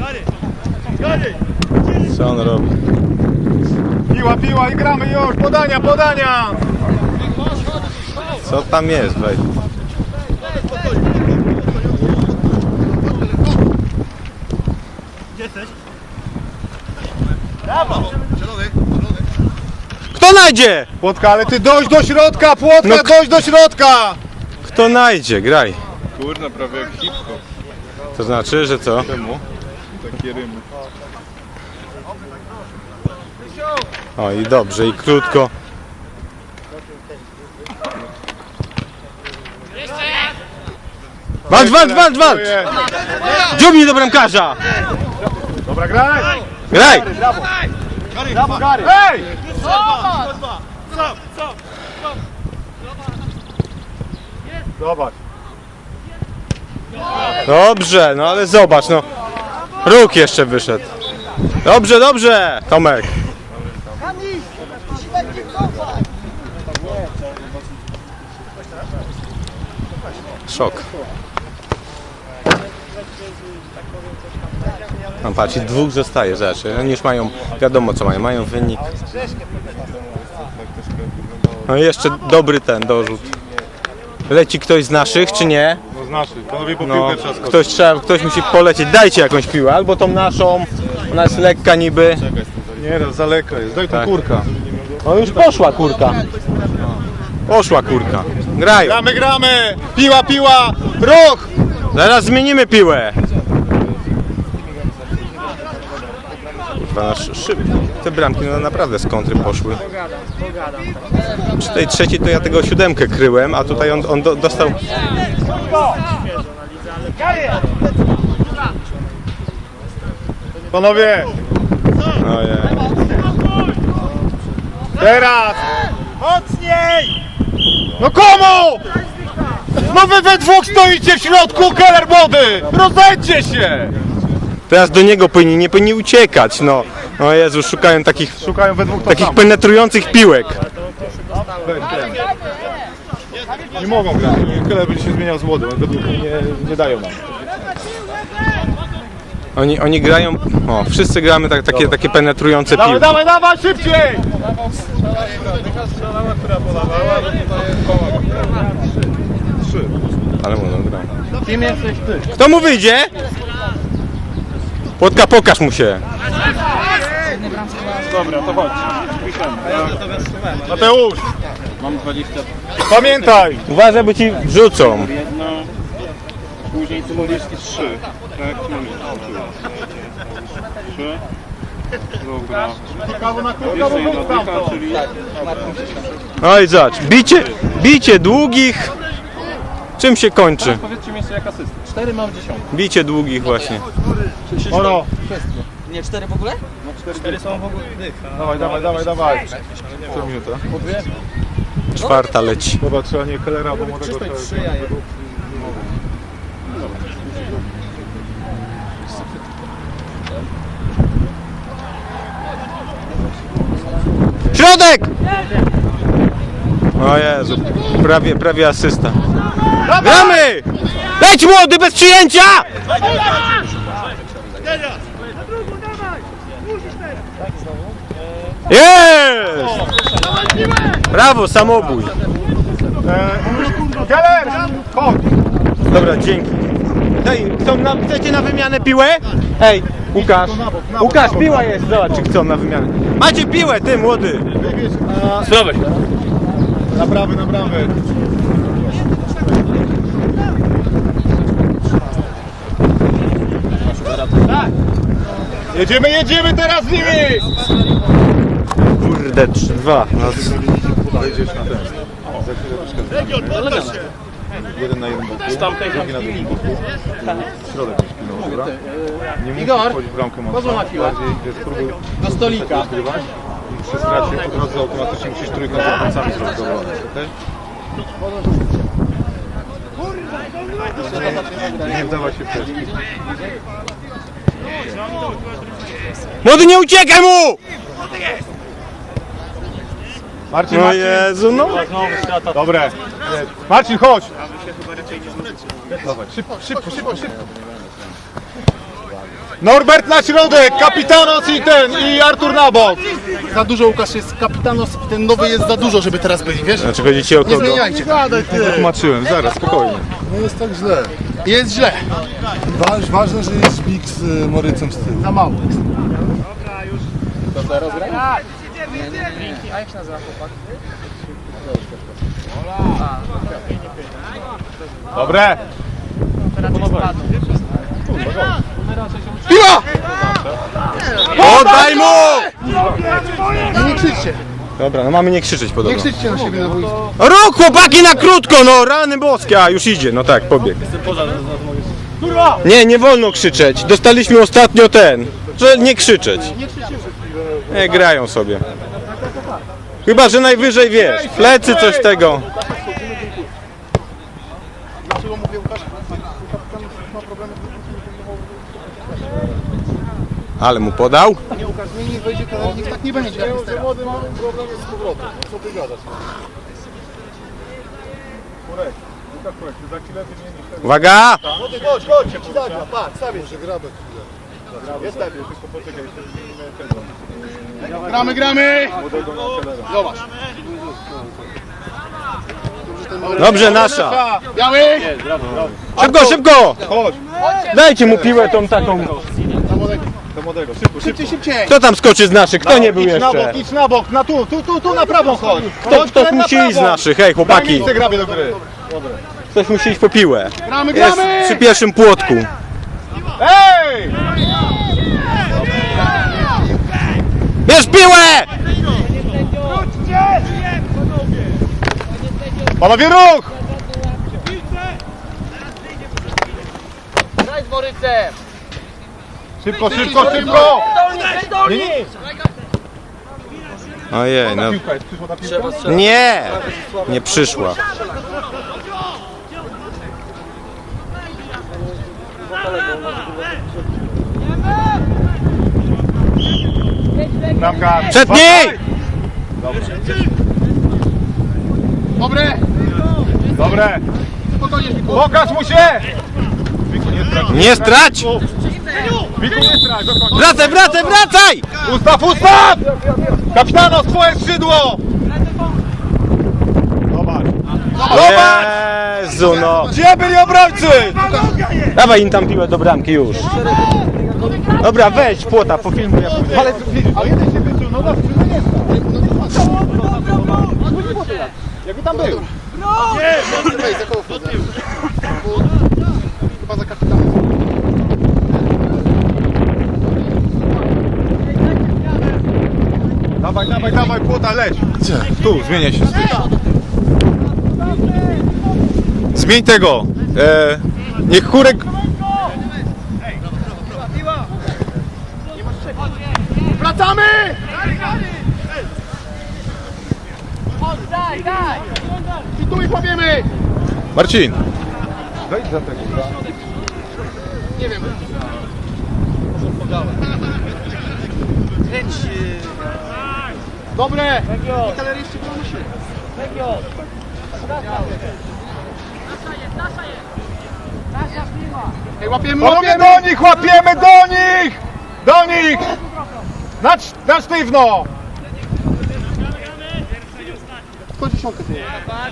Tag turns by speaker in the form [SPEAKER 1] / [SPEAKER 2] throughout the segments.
[SPEAKER 1] Co on robi?
[SPEAKER 2] Piła i gramy już! Podania, podania!
[SPEAKER 1] Co tam jest? Weź. Kto najdzie?
[SPEAKER 2] Płotka, ale ty dojść do środka! Płotka,
[SPEAKER 1] No,
[SPEAKER 2] dojść do środka!
[SPEAKER 1] Kto najdzie? Graj.
[SPEAKER 2] Kurna, prawie jak hip-hop.
[SPEAKER 1] To znaczy, że co?
[SPEAKER 2] Czemu? Takie rymy.
[SPEAKER 1] O i dobrze, i krótko. Walcz! Dziubnij do bramkarza!
[SPEAKER 2] Dobra, graj!
[SPEAKER 1] Graj!
[SPEAKER 2] Brawo, Gary! Hej! Zobacz.
[SPEAKER 1] Dobrze, no ale zobacz, no. Róg jeszcze wyszedł. Dobrze, Tomek. Szok. No patrz, i dwóch zostaje, zobacz. Oni już mają, wiadomo co mają, mają wynik. No i jeszcze dobry ten dorzut. Leci ktoś z naszych, czy nie?
[SPEAKER 2] No z naszych, panowie po
[SPEAKER 1] No,
[SPEAKER 2] piłkę trzeba skoczyć.
[SPEAKER 1] ktoś musi polecieć. Dajcie jakąś piłę, albo tą naszą. Ona jest lekka niby.
[SPEAKER 2] Nie, no, za lekka jest. Daj tu
[SPEAKER 1] Tak.
[SPEAKER 2] kurka.
[SPEAKER 1] No już poszła kurka. Poszła kurka. Grają.
[SPEAKER 2] Gramy! Piła! Ruch!
[SPEAKER 1] Zaraz zmienimy piłę. Kurwa, te bramki no naprawdę z kontry poszły. Przy tej trzeciej to ja tego 7 kryłem, a tutaj on dostał...
[SPEAKER 2] Panowie!
[SPEAKER 1] Ojej.
[SPEAKER 2] Teraz! Mocniej! No komu? No wy we dwóch stoicie w środku, Keller młody! Rozejdźcie się!
[SPEAKER 1] Teraz do niego nie powinni uciekać, no. O Jezu, szukają
[SPEAKER 2] Szukają we dwóch
[SPEAKER 1] takich penetrujących piłek.
[SPEAKER 2] Nie mogą grać. Keller będzie się zmieniał z młodym, we dwóch nie dają nam.
[SPEAKER 1] Oni grają, o, wszyscy gramy takie penetrujące piłki.
[SPEAKER 2] Dawaj, szybciej!
[SPEAKER 1] Ale młodą gra.
[SPEAKER 2] Kim jesteś ty?
[SPEAKER 1] Kto mu wyjdzie? Płotka, pokaż mu się.
[SPEAKER 2] Dobra, to chodź. Mateusz!
[SPEAKER 3] Mam 20.
[SPEAKER 2] Pamiętaj!
[SPEAKER 1] Uważaj, bo ci wrzucą.
[SPEAKER 3] Jedno. Później ty mówisz 3. Tak, mamy 3. Dobra. Jeszcze jedna dycha, czyli...
[SPEAKER 1] No i zobacz, bicie długich. Czym się kończy?
[SPEAKER 3] Powiedzcie mi jeszcze jak asyst. 4 mam 10.
[SPEAKER 1] Bicie długich właśnie.
[SPEAKER 2] Oro!
[SPEAKER 4] Nie, 4 w ogóle?
[SPEAKER 3] No 4 są w ogóle dych.
[SPEAKER 2] Dawaj. Co minuta?
[SPEAKER 1] Czwarta leci.
[SPEAKER 2] Dobra, trzeba nie Kellera, bo młodego trzeba...
[SPEAKER 1] Środek! O Jezu, prawie asysta. Gramy! Leć młody, bez przyjęcia! Jest! Brawo, samobój.
[SPEAKER 2] Keller! Chodź!
[SPEAKER 1] Dobra, dzięki. Chcecie na wymianę piłę? Hej, Łukasz. Łukasz, piła jest, zobacz czy chcą na wymianę. Macie piłę, ty młody.
[SPEAKER 3] Zdrowy.
[SPEAKER 2] Naprawy. Jedziemy teraz z nimi!
[SPEAKER 1] Kurde, 3-2.
[SPEAKER 2] Wejdziesz na ten. Jeden na jeden boku, drugi na drugim boku. Środek już pilną, dobra? Nie musisz wchodzić w bramkę mocno. Bardziej, wiesz, spróbuj
[SPEAKER 4] Do stolika.
[SPEAKER 2] zgrywać i przy stracie po drodze automatycznie musisz trójkąt z obrońcami zrobić do obrony, okej? Nie wdawaj się w test.
[SPEAKER 1] Młody, nie uciekaj mu!
[SPEAKER 2] Marcin,
[SPEAKER 1] No Jezu, no.
[SPEAKER 2] Dobre. Marcin, chodź! Dawaj, szybko. Norbert na środek, Kapitanos i Artur na bok.
[SPEAKER 5] Za dużo Łukasz jest Kapitanos i ten nowy jest za dużo, żeby teraz byli, wiesz?
[SPEAKER 1] Znaczy chodzi ci o
[SPEAKER 5] Nie
[SPEAKER 1] kogo?
[SPEAKER 5] zmieniajcie.
[SPEAKER 2] Tłumaczyłem, zaraz, spokojnie.
[SPEAKER 6] No jest tak źle.
[SPEAKER 5] Jest źle.
[SPEAKER 6] Ważne, że jest szpik z Morycem z tyłu.
[SPEAKER 5] Za mało.
[SPEAKER 4] A jak się nazywa chłopak?
[SPEAKER 2] Dobre.
[SPEAKER 5] Piła!
[SPEAKER 1] Oddaj mu!
[SPEAKER 5] Nie krzyczcie.
[SPEAKER 1] Dobra, no mamy nie krzyczeć
[SPEAKER 5] Nie
[SPEAKER 1] podobno.
[SPEAKER 5] krzyczcie na siebie na boisku.
[SPEAKER 1] Ruch chłopaki na krótko, no rany boskie, a już idzie, no tak, pobiegł. Nie wolno krzyczeć, dostaliśmy ostatnio że nie krzyczeć. Nie, grają sobie. Chyba, że najwyżej wiesz, plecy coś tego.
[SPEAKER 5] Dlaczego mówię Łukasz? Kapitan ma problemy
[SPEAKER 1] Ale mu podał.
[SPEAKER 5] Nie Łukasz, nie wejdzie kalernik, tak nie będzie jak jest teraz.
[SPEAKER 6] Młody mamy problem z powrotem. Co ty gadasz?
[SPEAKER 1] Uwaga!
[SPEAKER 6] Młody, chodź, chodź! Zagra, patrz, stawię się. Grabę chwilę. Jest stawię.
[SPEAKER 5] Gramy! Zobacz.
[SPEAKER 1] Dobrze, nasza.
[SPEAKER 5] Biały!
[SPEAKER 1] Szybko! Dajcie mu piłę tą taką.
[SPEAKER 5] Szybciej, szybciej!
[SPEAKER 1] Kto tam skoczy z naszych? Kto nie był jeszcze?
[SPEAKER 2] Idź na bok, tu na prawą chodź.
[SPEAKER 1] Ktoś musi iść z naszych, hej chłopaki.
[SPEAKER 2] Chcę grabie do gry.
[SPEAKER 1] Ktoś musi iść po piłę.
[SPEAKER 5] Gramy,
[SPEAKER 1] Jest
[SPEAKER 5] gramy!
[SPEAKER 1] przy pierwszym płotku.
[SPEAKER 2] Ej!
[SPEAKER 1] Bierz piłę!
[SPEAKER 2] Panowie, ruch!
[SPEAKER 4] Graj z Morycem!
[SPEAKER 2] Szybko!
[SPEAKER 1] Ojej, no. Nie przyszła.
[SPEAKER 2] Bramka.
[SPEAKER 1] Przed niej!
[SPEAKER 2] Dobre!
[SPEAKER 5] Spokojnie, Wiku.
[SPEAKER 2] Pokaż mu się!
[SPEAKER 1] Nie strać!
[SPEAKER 2] Wiku, nie strać, do końca.
[SPEAKER 1] Wracaj!
[SPEAKER 2] Ustaw! Kapitanos, twoje skrzydło! Zobacz!
[SPEAKER 1] Jezu, no.
[SPEAKER 2] Gdzie byli obrońcy?
[SPEAKER 1] Dawaj im tam piłę do bramki już. Dobra, weź płota, pofilmuj.
[SPEAKER 2] Ale jeden się wysunął, no to nie jest. Jakby tam był.
[SPEAKER 5] Ej, za koło wchodzę. Chyba za kapitanem.
[SPEAKER 2] Dawaj, płota, leć.
[SPEAKER 6] Gdzie?
[SPEAKER 2] Tu, zmieniaj się. Zmień tego. Niech Chórek...
[SPEAKER 5] Wracamy! I tu ich łapiemy!
[SPEAKER 2] Marcin. Wejdź za tego.
[SPEAKER 5] Nie wiem. Dobre! I kaleryści broni się. Ej, łapiemy,
[SPEAKER 2] Panowie,
[SPEAKER 5] łapiemy!
[SPEAKER 2] do nich, łapiemy do nich! Do nich! Na sztywno!
[SPEAKER 5] Chodź dziesiątkę tu.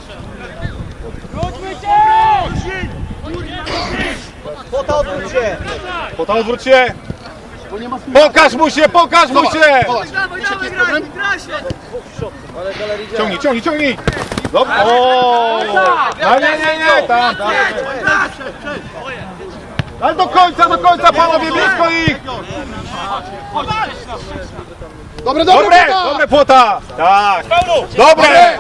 [SPEAKER 2] Pota odwróć się!
[SPEAKER 5] Bo nie ma smysłu.
[SPEAKER 2] Pokaż mu się!
[SPEAKER 5] Zobacz. Wiesz jaki jest problem?
[SPEAKER 2] Ciągnij! Dobra. O! Nie, tam. Ale do końca, panowie, blisko ich!
[SPEAKER 5] Dobre!
[SPEAKER 2] Dobre, płota! Tak! Dobre!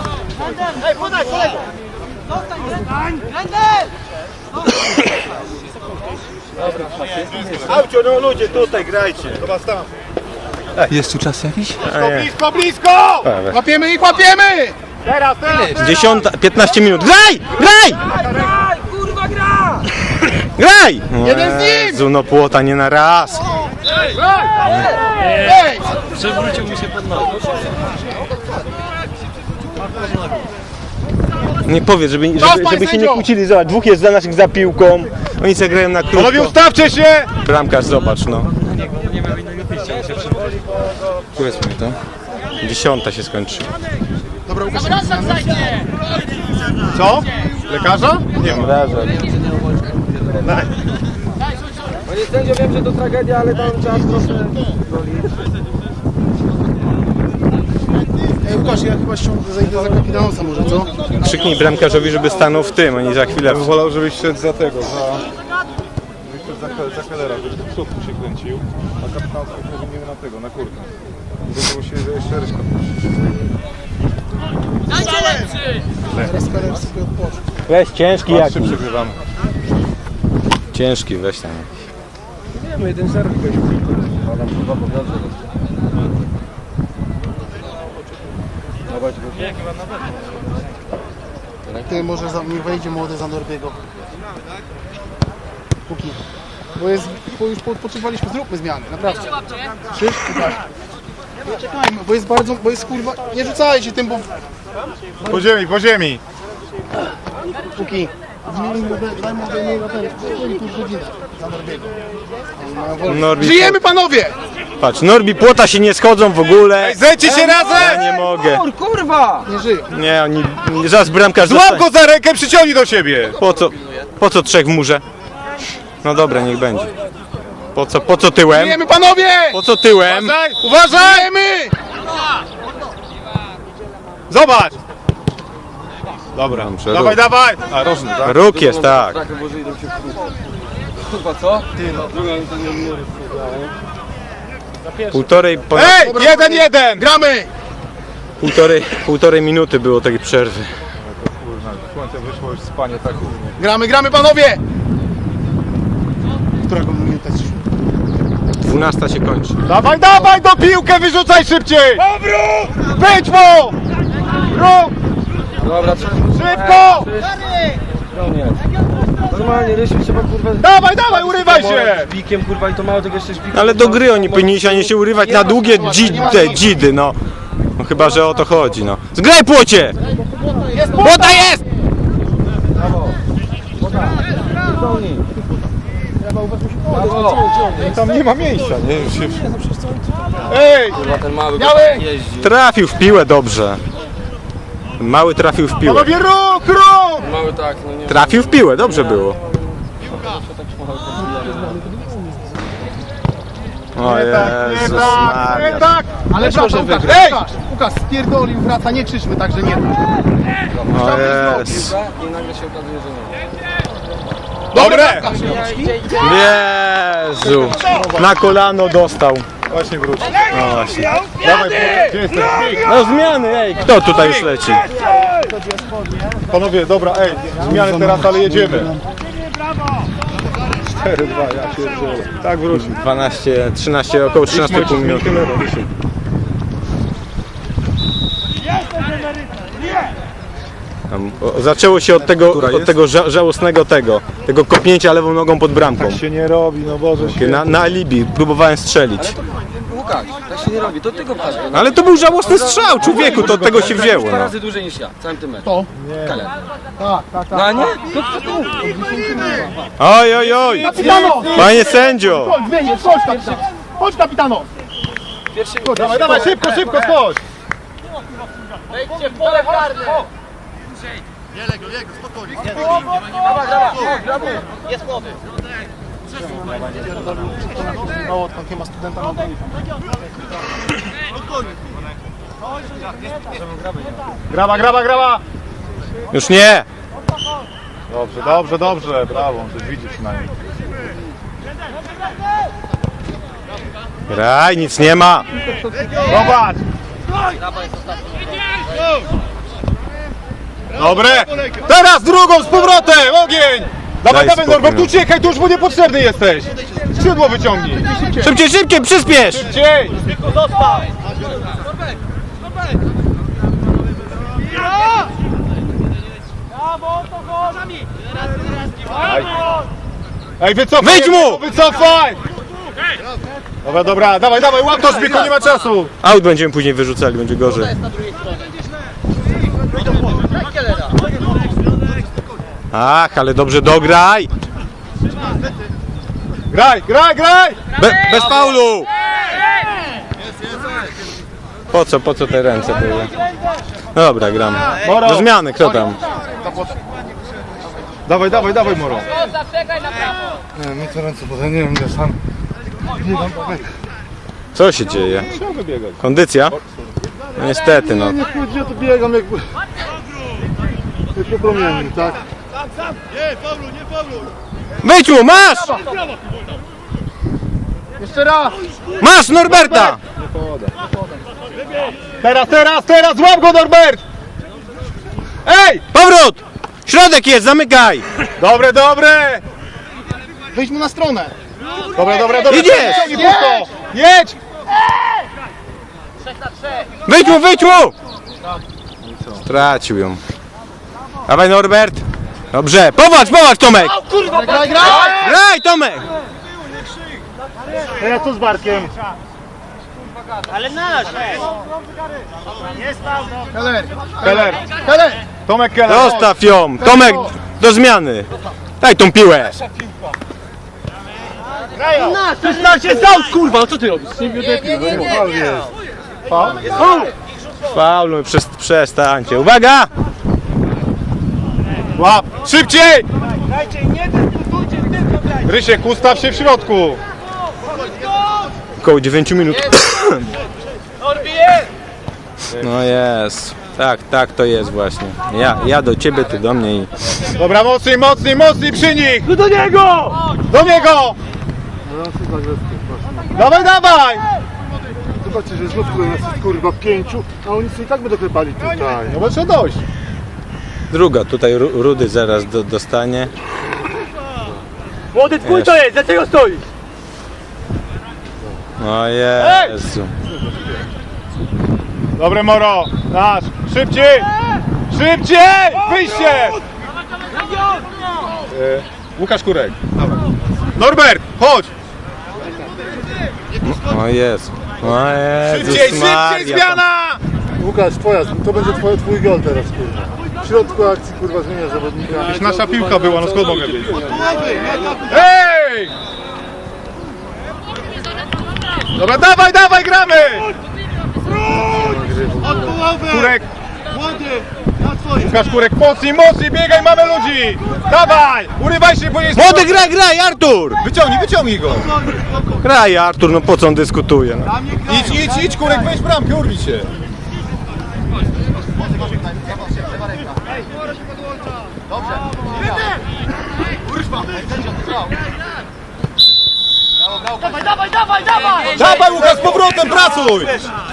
[SPEAKER 1] Aucio, no ludzie, tutaj grajcie.
[SPEAKER 2] Chyba tam.
[SPEAKER 6] Jest tu czas jakiś?
[SPEAKER 2] Blisko!
[SPEAKER 5] Łapiemy ich, łapiemy!
[SPEAKER 2] Teraz!
[SPEAKER 1] 15 minut. Graj! Graj!
[SPEAKER 5] Jeden z nich!
[SPEAKER 1] Jezu, no płota nie na raz.
[SPEAKER 5] Ej!
[SPEAKER 4] Przewrócił mi się pod nogi.
[SPEAKER 1] Nie powiedz, żeby się nie
[SPEAKER 2] sędzio!
[SPEAKER 1] kłócili. Zobacz, dwóch jest za naszych za piłką. Oni sobie grają na
[SPEAKER 2] Panowie,
[SPEAKER 1] krótko.
[SPEAKER 2] ustawcie się!
[SPEAKER 1] Bramkarz, zobacz, no. Która jest minuta? 10 się skończy.
[SPEAKER 5] Dobra, Łukasz.
[SPEAKER 2] Co? Lekarza?
[SPEAKER 1] Nie obrażę.
[SPEAKER 4] Panie sędzio, wiem, że to tragedia, ale tam trzeba trochę...
[SPEAKER 5] Ej, Łukasz, ja chyba zajdę za kapitanosa może, co?
[SPEAKER 1] Krzyknij bramkarzowi, żeby stanął w tym, oni za chwilę...
[SPEAKER 2] Ja bym wolał, żebyś szedł za tego, za Kellera, żeby do przodu się kręcił, a kapitan powinien na tego, na kurkę. Żeby się jeszcze ryszka.
[SPEAKER 5] Teraz Keller sobie odpocznie.
[SPEAKER 1] Weź ciężki jak.
[SPEAKER 2] Trzy przegrywamy.
[SPEAKER 1] Ciężki, weź tam.
[SPEAKER 5] Ty, może niech wejdzie młody za Norbiego. Póki. Bo już odpoczywaliśmy, zróbmy zmiany, naprawdę. Szybko, tak. Nie czekajmy, bo jest kurwa, nie rzucajcie tym, bo...
[SPEAKER 2] Po ziemi!
[SPEAKER 5] Póki. Daj młodego ten, tu godzinę za Norbiego.
[SPEAKER 1] Norbi,
[SPEAKER 5] Żyjemy, panowie!
[SPEAKER 1] patrz, Norbi, płota się nie schodzą w ogóle.
[SPEAKER 2] Zejdźcie się
[SPEAKER 1] Ja
[SPEAKER 2] razem!
[SPEAKER 1] nie mogę.
[SPEAKER 4] Kurwa!
[SPEAKER 5] Nie żyją.
[SPEAKER 1] Nie, oni... Zaraz bramkarz
[SPEAKER 2] Złap go za rękę, przyciągnij do siebie!
[SPEAKER 1] Po co trzech w murze? No dobra, niech będzie. Po co tyłem?
[SPEAKER 5] Żyjemy, panowie!
[SPEAKER 1] Po co tyłem?
[SPEAKER 2] Uważaj! Uważaj!
[SPEAKER 5] Żyjemy!
[SPEAKER 2] Zobacz! Dobra,
[SPEAKER 1] Dobrze,
[SPEAKER 2] dawaj, dawaj! A, rożny, tak?
[SPEAKER 1] Róg jest, tak.
[SPEAKER 4] Tak, bo idą się w kółko. Kurwa, co?
[SPEAKER 2] Ej! 1-1!
[SPEAKER 5] Gramy!
[SPEAKER 1] Półtorej minuty było takiej przerwy.
[SPEAKER 2] Słońce wyszło już spanie, tak.
[SPEAKER 5] Gramy, panowie! Którego minuta jest?
[SPEAKER 1] 12 się kończy.
[SPEAKER 2] Dawaj, dawaj do piłkę, wyrzucaj szybciej! Obrót! Wyjdź mu! Ruch!
[SPEAKER 4] Dobra,
[SPEAKER 2] Szybko!
[SPEAKER 4] normalnie, Rysiu, trzeba kurwa...
[SPEAKER 2] Dawaj, dawaj, urywaj się!
[SPEAKER 4] Z bikiem, kurwa, i to mało tego jeszcze szpiku.
[SPEAKER 1] Ale do gry oni powinni się, a nie się urywać na długie dzidy, no. No chyba, że o to chodzi, no. Zgraj płocie! Płota jest!
[SPEAKER 2] Tam nie ma miejsca, nie? Już się... Ej!
[SPEAKER 4] Kurwa, ten mały
[SPEAKER 2] Miałeś!
[SPEAKER 4] jeździ.
[SPEAKER 1] Trafił w piłę dobrze. Mały trafił w piłę.
[SPEAKER 2] Panowie, ruch, ruch!
[SPEAKER 4] Mały tak, no nie...
[SPEAKER 1] Trafił w piłę, dobrze było. O Jezus
[SPEAKER 2] Nie
[SPEAKER 1] Maria.
[SPEAKER 2] tak!
[SPEAKER 5] Ale proszę, Łukasz, spierdolił, wraca, nie krzyczmy, także nie.
[SPEAKER 1] O Jezus.
[SPEAKER 4] I nagle się okazuje, że nie.
[SPEAKER 2] Dobre!
[SPEAKER 1] Jezu. Na kolano dostał.
[SPEAKER 2] Właśnie wróć.
[SPEAKER 1] No właśnie.
[SPEAKER 2] Dawaj, gdzie jesteś?
[SPEAKER 1] No zmiany, ej. Kto tutaj już leci?
[SPEAKER 2] Panowie, dobra, ej, zmiany teraz, ale jedziemy. 4-2, ja pierdzielę. Tak wróć.
[SPEAKER 1] 12, 13, około 13,5 minuty. Zaczęło się od tego żałosnego tego kopnięcia lewą nogą pod bramką.
[SPEAKER 2] Się nie robi, no Boże się.
[SPEAKER 1] Na alibi, próbowałem strzelić.
[SPEAKER 4] Łukasz, tak się nie robi, to tego wpadło.
[SPEAKER 1] Ale to był żałosny strzał, człowieku, to od tego się wzięło.
[SPEAKER 4] Dwa
[SPEAKER 1] No.
[SPEAKER 4] razy dłużej niż ja, całym tym meczem.
[SPEAKER 5] To?
[SPEAKER 4] Keller.
[SPEAKER 5] Tak.
[SPEAKER 4] No a nie?
[SPEAKER 1] Oj, oj, oj!
[SPEAKER 5] Kapitano!
[SPEAKER 1] Panie sędzio!
[SPEAKER 5] Chodź, wyjdziesz, chodź, kapitano! Chodź, kapitano!
[SPEAKER 2] Dawaj, dawaj, szybko, szybko, skocz!
[SPEAKER 5] Mało odkąd nie ma studenta na ulicy.
[SPEAKER 2] Graba!
[SPEAKER 1] Już nie!
[SPEAKER 2] Dobrze, brawo, to widzi przynajmniej.
[SPEAKER 1] Graj, nic nie ma!
[SPEAKER 2] Zobacz! Dobre! Teraz drugą z powrotem, ogień! Dawaj,
[SPEAKER 1] spokój,
[SPEAKER 2] Norbert,
[SPEAKER 1] no.
[SPEAKER 2] uciekaj, tu już mu niepotrzebny jesteś! Skrzydło wyciągnij!
[SPEAKER 1] Szybciej, przyspiesz!
[SPEAKER 2] Szybciej! Ej, wycofaj!
[SPEAKER 1] Wyjdź mu!
[SPEAKER 2] Wycofaj! Dobra, dawaj, łap to szpiku, nie ma czasu!
[SPEAKER 1] Aut będziemy później wyrzucali, będzie gorzej. Ach, ale dobrze dograj!
[SPEAKER 2] Graj, graj, graj!
[SPEAKER 1] Bez faulu! Po co te ręce były? No dobra, gramy.
[SPEAKER 2] Moro.
[SPEAKER 1] Do zmiany, kto tam?
[SPEAKER 2] Dawaj, dawaj, dawaj, Moro.
[SPEAKER 6] Nie, mi to ręce, bo ja nie wiem, ja sam biegam po meczu.
[SPEAKER 1] Co się dzieje? Kondycja? No niestety, no.
[SPEAKER 6] Nie chodzi o to, biegam jakby... Jak promiennik, tak?
[SPEAKER 1] Wyjdź mu, masz!
[SPEAKER 5] Jeszcze raz!
[SPEAKER 1] Masz Norberta!
[SPEAKER 2] Teraz, złap go, Norbert! Ej!
[SPEAKER 1] Powrót! Środek jest, zamykaj!
[SPEAKER 2] Dobre, dobre!
[SPEAKER 5] Wyjdź mu na stronę!
[SPEAKER 2] Dobre.
[SPEAKER 1] Idziesz!
[SPEAKER 2] Ciągnij pusto! Jedź!
[SPEAKER 1] Wyjdź mu! Stracił ją. Dawaj Norbert! Dobrze, popatrz Tomek!
[SPEAKER 5] Graj!
[SPEAKER 1] Graj Tomek!
[SPEAKER 6] Ja tu z Bartkiem.
[SPEAKER 2] Keller! Tomek Keller!
[SPEAKER 1] Zostaw ją! Tomek, do zmiany! Daj tą piłę! Faul, przestańcie. Uwaga!
[SPEAKER 2] Łap! Szybciej! Rysiek, ustaw się w środku!
[SPEAKER 1] Około 9 minut. No jest. Tak to jest właśnie. Ja do ciebie, ty do mnie i...
[SPEAKER 2] Dobra, mocniej przy nich! No do niego! Do niego! Dawaj!
[SPEAKER 6] Zobaczcie, że znów nas jest kurwa 5, a oni sobie i tak będą klepali tutaj.
[SPEAKER 2] No bo trzeba dojść.
[SPEAKER 1] Druga, tutaj Rudy zaraz dostanie.
[SPEAKER 3] Młody twój to jest, dlaczego stoisz?
[SPEAKER 1] O Jezu.
[SPEAKER 2] Dobre, Moro! Nasz! Szybciej! Wyjście! Łukasz Kurek. Norbert, chodź!
[SPEAKER 1] O Jezu. O Jezus
[SPEAKER 2] Szybciej,
[SPEAKER 1] Maria.
[SPEAKER 2] zmiana!
[SPEAKER 6] Łukasz, to będzie twój gol teraz, kurwa. W środku akcji, kurwa, zmienia zawodnika.
[SPEAKER 2] Nasza piłka była, no skąd mogę wiedzieć? Ej! Dobra, dawaj, gramy! Kurek! Łukasz Kurek, mocniej, biegaj, mamy ludzi! Dawaj! Urywaj się, bo jest...
[SPEAKER 1] Młody, graj, Artur!
[SPEAKER 2] Wyciągnij go!
[SPEAKER 1] Graj, Artur, no po co on dyskutuje? No.
[SPEAKER 2] Idź, Kurek, weź bramkę, urwij się! Dawaj, Łukasz, z powrotem, pracuj!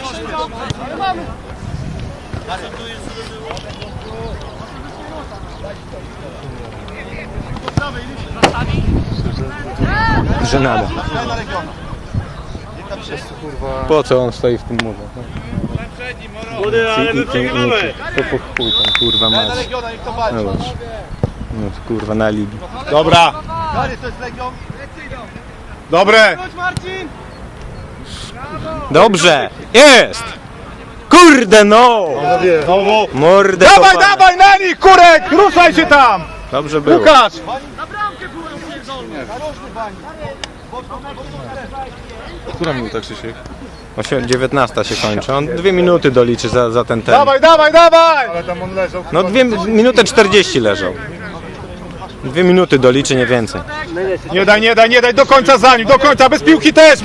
[SPEAKER 1] Żenada. Po co on stoi w tym murze?
[SPEAKER 3] Młody, ale my przegrywamy.
[SPEAKER 1] To po chuj tam, kurwa mać. No dobrze. No kurwa na ligi.
[SPEAKER 2] Dobra! Dobre!
[SPEAKER 1] Dobrze! Jest! Kurde no!
[SPEAKER 2] Znowu!
[SPEAKER 1] Mordę
[SPEAKER 2] Dawaj,
[SPEAKER 1] kopane.
[SPEAKER 2] na nich, Kurek! Ruszaj się tam!
[SPEAKER 1] Dobrze było.
[SPEAKER 2] Łukasz!
[SPEAKER 6] Która minuta, Krzysiek?
[SPEAKER 1] 19 się kończy. On 2 minuty doliczy za ten ten.
[SPEAKER 2] Dawaj!
[SPEAKER 6] Ale tam on leżał.
[SPEAKER 1] No 2 minuty 40 leżał. 2 minuty doliczy, nie więcej.
[SPEAKER 2] Nie daj, do końca za nim, do końca, bez piłki też!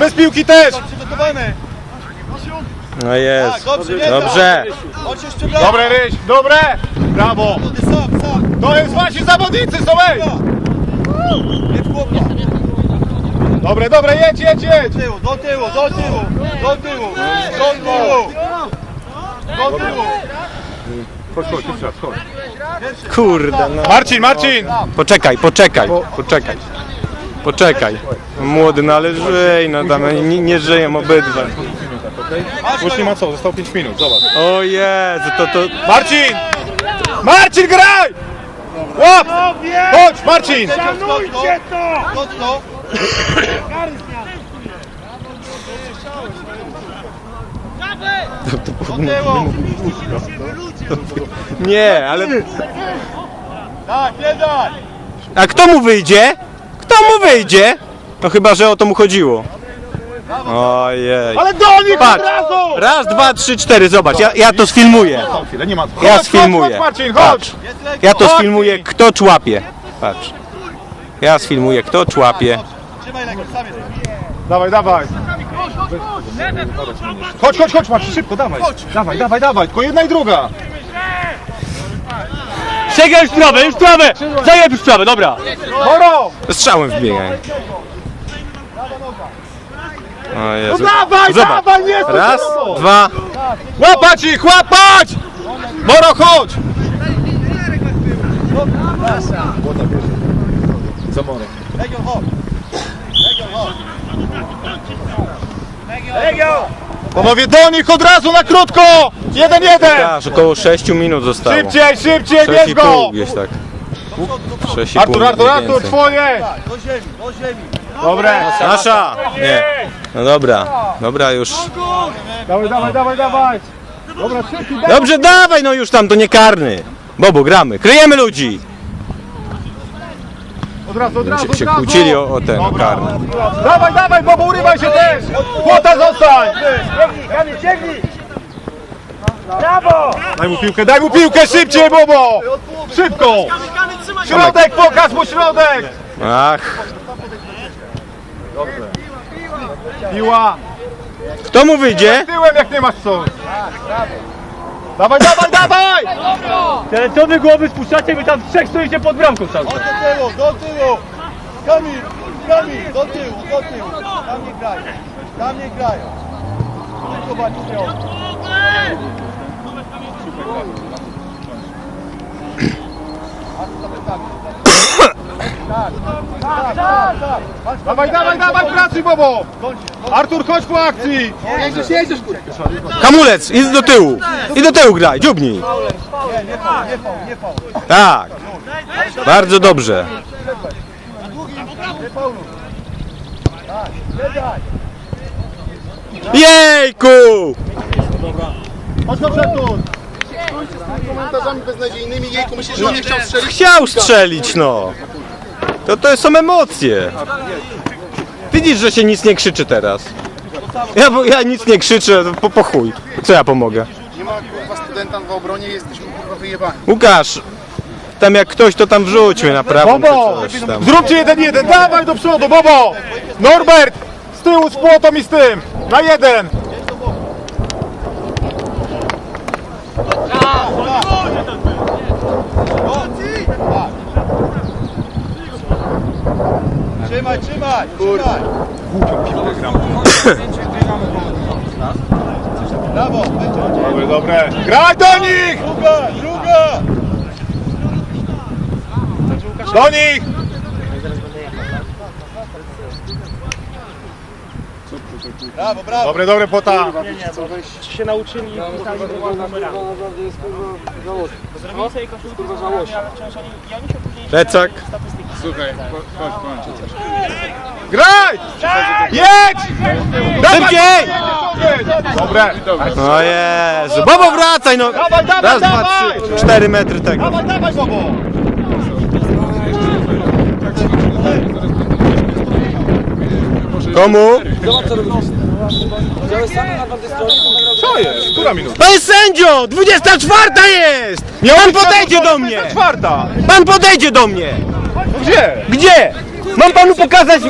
[SPEAKER 1] No jest. Dobrze.
[SPEAKER 2] Dobre, Ryś, dobre! Brawo! To jest właśnie zawodnicy, są ej! Dobre, jedź! Do tyłu! Chodź,
[SPEAKER 1] Kurde no.
[SPEAKER 2] Marcin!
[SPEAKER 1] Poczekaj. Młody, no ale żyj, no tam nie żyją obydwaj.
[SPEAKER 2] Już nie ma co, zostało 5 minut, zobacz.
[SPEAKER 1] O Jezu, to...
[SPEAKER 2] Marcin, graj! Łap! Chodź, Marcin!
[SPEAKER 3] Szanujcie to!
[SPEAKER 1] Nie, ale...
[SPEAKER 6] Tak, nie daj!
[SPEAKER 1] A kto mu wyjdzie? Kto mu wyjdzie? No chyba, że o to mu chodziło. Ojej.
[SPEAKER 2] Ale do nich od
[SPEAKER 1] Patrz.
[SPEAKER 2] razu!
[SPEAKER 1] Raz, dwa, trzy, cztery, zobacz, ja to sfilmuję.
[SPEAKER 2] Chwilę, nie ma.
[SPEAKER 1] Ja
[SPEAKER 2] Chodź,
[SPEAKER 1] sfilmuję.
[SPEAKER 2] Chodź, Marcin,
[SPEAKER 1] Patrz.
[SPEAKER 2] chodź!
[SPEAKER 1] Ja to sfilmuję, kto człapie. Patrz. Ja sfilmuję, kto człapie.
[SPEAKER 6] Trzymaj legę, sam jest.
[SPEAKER 2] Dawaj, dawaj. Chodź, Marcin, szybko, dawaj. Dawaj, tylko jedna i druga.
[SPEAKER 3] Sięgaj już w trawę! Zajeb już w trawę, dobra!
[SPEAKER 2] Moro!
[SPEAKER 1] Strzałem wbiegaj. O Jezu.
[SPEAKER 2] Dawaj,
[SPEAKER 1] Zobacz.
[SPEAKER 2] dawaj, nie stój
[SPEAKER 1] Raz,
[SPEAKER 2] za tobą.
[SPEAKER 1] dwa.
[SPEAKER 2] Łapać ich, łapać! Moro, chodź!
[SPEAKER 6] Legion, chodź.
[SPEAKER 2] Panowie, do nich od razu na krótko! 1-1!
[SPEAKER 1] Aż około 6 minut zostało.
[SPEAKER 2] Szybciej, bierz
[SPEAKER 1] 6,5
[SPEAKER 2] go!
[SPEAKER 1] gdzieś tak. 6,5
[SPEAKER 2] Artur,
[SPEAKER 1] mniej więcej.
[SPEAKER 2] twoje!
[SPEAKER 6] Do ziemi.
[SPEAKER 2] Dobre!
[SPEAKER 1] Nasza! Nie. No dobra już.
[SPEAKER 2] Dawaj! Dobra, trzeci,
[SPEAKER 1] Dobrze, dawaj, no już tam, to nie karny. Bobo, gramy. Kryjemy ludzi.
[SPEAKER 2] od razu,
[SPEAKER 1] Się kłócili o ten, o karny.
[SPEAKER 2] Dawaj, Bobo, urywaj się też! Płota zostań! Daj mu piłkę, szybciej, Bobo! Szybko! Środek, pokaż mu środek!
[SPEAKER 1] Ach,
[SPEAKER 2] Piła!
[SPEAKER 1] kto mu wyjdzie?
[SPEAKER 2] Tyłem, jak nie masz co! Dawaj!
[SPEAKER 3] Ale co wy głowy spuszczacie, wy tam trzech stoicie pod bramką cały czas.
[SPEAKER 6] Do tyłu. Kamil, do tyłu. Tam nie grają. Zobacz,
[SPEAKER 2] Dawaj, pracuj, Bobo! Artur, chodź po akcji!
[SPEAKER 5] Jedziesz, kurwa.
[SPEAKER 1] Hamulec, idź do tyłu. I do tyłu graj, dziubnij.
[SPEAKER 6] nie faul.
[SPEAKER 1] Tak. Bardzo dobrze. Jejku!
[SPEAKER 2] Chodź do przodu!
[SPEAKER 6] Komentarzami beznadziejnymi, jejku, myślisz, że on nie chciał strzelić?
[SPEAKER 1] Chciał strzelić, no. To są emocje. Widzisz, że się nic nie krzyczy teraz. Ja nic nie krzyczę, po chuj. Co ja pomogę?
[SPEAKER 6] Nie ma kurwa studenta w obronie, jesteśmy kurwa wyjebani.
[SPEAKER 1] Łukasz, tam jak ktoś to tam wrzućmy na prawą czy
[SPEAKER 2] Bobo!
[SPEAKER 1] coś tam.
[SPEAKER 2] Zróbcie 1-1, dawaj do przodu, Bobo! Norbert! Z tyłu, z płotą i z tym! Na jeden!
[SPEAKER 6] Trzymaj! Brawo, będzie.
[SPEAKER 2] Dobre! Graj do nich!
[SPEAKER 6] Druga!
[SPEAKER 2] Do nich!
[SPEAKER 6] Brawo.
[SPEAKER 2] Dobre, płota!
[SPEAKER 3] Się nauczyli
[SPEAKER 1] Plecak.
[SPEAKER 2] Graj! Jedź!
[SPEAKER 1] Szybciej!
[SPEAKER 2] Dobre!
[SPEAKER 1] O Jezu, Bobo wracaj no!
[SPEAKER 2] Dawaj,
[SPEAKER 1] Raz, dwa, trzy, 4 metry tego.
[SPEAKER 2] Dawaj, Bobo!
[SPEAKER 1] Komu?
[SPEAKER 4] Zobacz co robisz. Wziąłeś sam na tamtej stronie, to nagrał...
[SPEAKER 2] Co jest? Która minuta?
[SPEAKER 1] Panie sędzio! 24 jest! Pan podejdzie do mnie!
[SPEAKER 2] Czwarta!
[SPEAKER 1] Pan podejdzie do mnie!
[SPEAKER 2] Gdzie?
[SPEAKER 1] Gdzie? Mam panu pokazać...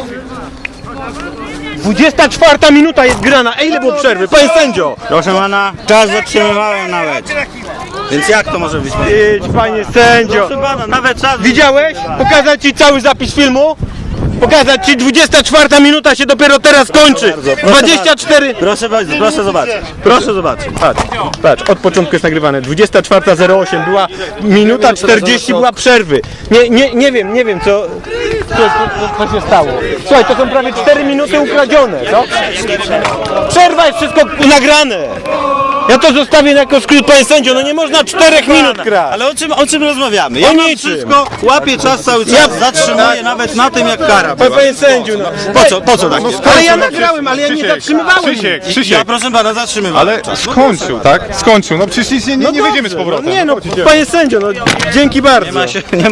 [SPEAKER 1] 24 minuta jest grana. Ej, ile było przerwy? Panie sędzio!
[SPEAKER 7] Proszę pana, czas zatrzymywałem nawet. Więc jak to może być?
[SPEAKER 1] Idź, panie sędzio!
[SPEAKER 7] Proszę pana, nawet czas...
[SPEAKER 1] Widziałeś? Pokazać ci cały zapis filmu? Pokazać ci 24 minuta się dopiero teraz kończy. 24...
[SPEAKER 7] Proszę zobaczyć. Proszę zobaczyć.
[SPEAKER 1] Patrz, od początku jest nagrywane. 24:08 była minuta 40 była przerwy. Nie wiem co się stało. Słuchaj, to są prawie 4 minuty ukradzione, co? Przerwa jest wszystko nagrane. Ja to zostawię jako skrót, panie sędzio, no nie można 4 minut grać.
[SPEAKER 7] Ale o czym rozmawiamy?
[SPEAKER 1] O
[SPEAKER 7] Ja mam
[SPEAKER 1] niczym.
[SPEAKER 7] wszystko, łapię czas cały czas, zatrzymuję nawet na tym jak kara była.
[SPEAKER 1] Panie sędziu, no.
[SPEAKER 7] Po co tak jest?
[SPEAKER 1] Ale ja nagrałem, ale ja nie zatrzymywałem.
[SPEAKER 7] Ja proszę pana zatrzymywałem.
[SPEAKER 2] Ale skończył, tak? Skończył, no przecież nic nie wyjdziemy z powrotem.
[SPEAKER 1] Nie no, panie sędzio, no dzięki bardzo.
[SPEAKER 7] Nie ma się...